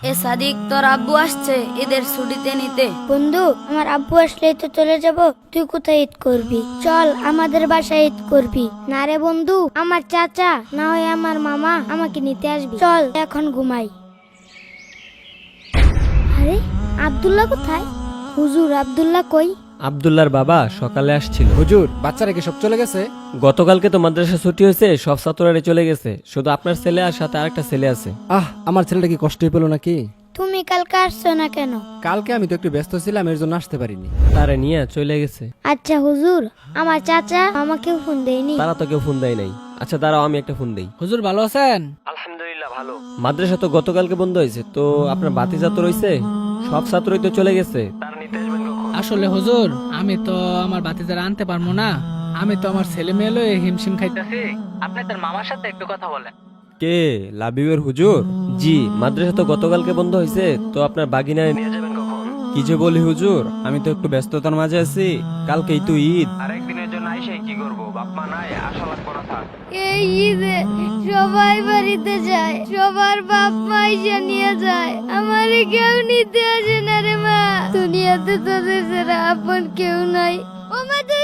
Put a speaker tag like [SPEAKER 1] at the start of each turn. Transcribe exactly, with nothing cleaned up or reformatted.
[SPEAKER 1] এ সাদিক, তোর আব্বু আসছে ঈদের ছুটিতে নিতে।
[SPEAKER 2] বন্ধু, আমার আব্বু আসলেই তো চলে যাব, তুই কোথায় ঈদ করবি? চল আমাদের বাসায় ঈদ করবি। না রে বন্ধু, আমার চাচা না হয় আমার মামা আমাকে নিতে আসবি। চল এখন ঘুমাই। আরে আব্দুল্লাহ কোথায়? হুজুর, আব্দুল্লাহ কই?
[SPEAKER 3] আব্দুল্লাহর বাবা সকালে আসছিল।
[SPEAKER 4] হুজুর, বাচ্চারা কি সব চলে গেছে?
[SPEAKER 3] গতকালকে তো মাদ্রাসা ছুটি হয়েছে, সব ছাত্ররা চলে গেছে, শুধু আপনার ছেলে আর সাথে আরেকটা ছেলে আছে।
[SPEAKER 4] আহ, আমার ছেলেটা কি কষ্টই পেলো নাকি?
[SPEAKER 2] তুমি কালকে আসছো না কেন?
[SPEAKER 4] কালকে আমি তো একটু ব্যস্ত ছিলাম, এর জন্য আসতে পারিনি।
[SPEAKER 3] তারে নিয়ে চলে গেছে।
[SPEAKER 2] আচ্ছা হুজুর, আমার চাচা আমাকেও ফোন দেয়নি।
[SPEAKER 3] তারা তো কেউ ফোন দেয় নাই। আচ্ছা দাঁড়াও, আমি একটা ফোন দেই।
[SPEAKER 5] হুজুর ভালো আছেন?
[SPEAKER 3] আলহামদুলিল্লাহ ভালো। মাদ্রাসা তো গতকালকে বন্ধ হয়েছে, তো আপনার ভাতিজা তো রয়েছে, সব ছাত্রই তো চলে গেছে।
[SPEAKER 5] আসলে হুজুর, আমি তো আমার বাতিজারা আনতে পারবো না। আমি তো আমার ছেলে মেয়ে লয়ে হিমশিম খাইতেছি। আপনি তার মামার সাথে একটু কথা বলেন।
[SPEAKER 3] কে? লাবিবের হুজুর? জি, মাদ্রাসা তো গতকালকে বন্ধ হয়েছে, তো আপনার বাগিনায় নিয়ে যাবেন কখন?
[SPEAKER 6] কি যে বলি হুজুর, আমি তো একটু ব্যস্ততার মাঝে আছি, কালকেই তো ঈদ।
[SPEAKER 3] আরেকদিনের জন্য আইসে কি করব? বাপ মা নাই, আসা লাগবে না থাক।
[SPEAKER 2] এই ঈদে সবাই বাড়িতে যায়, সবার বাপ মা এসে নিয়ে যায়, আমারে কেউ নিতে আসে না রে মা। দুনিয়াতে তোদের ছাড়া আপন কেউ নাই। ও মা, তুই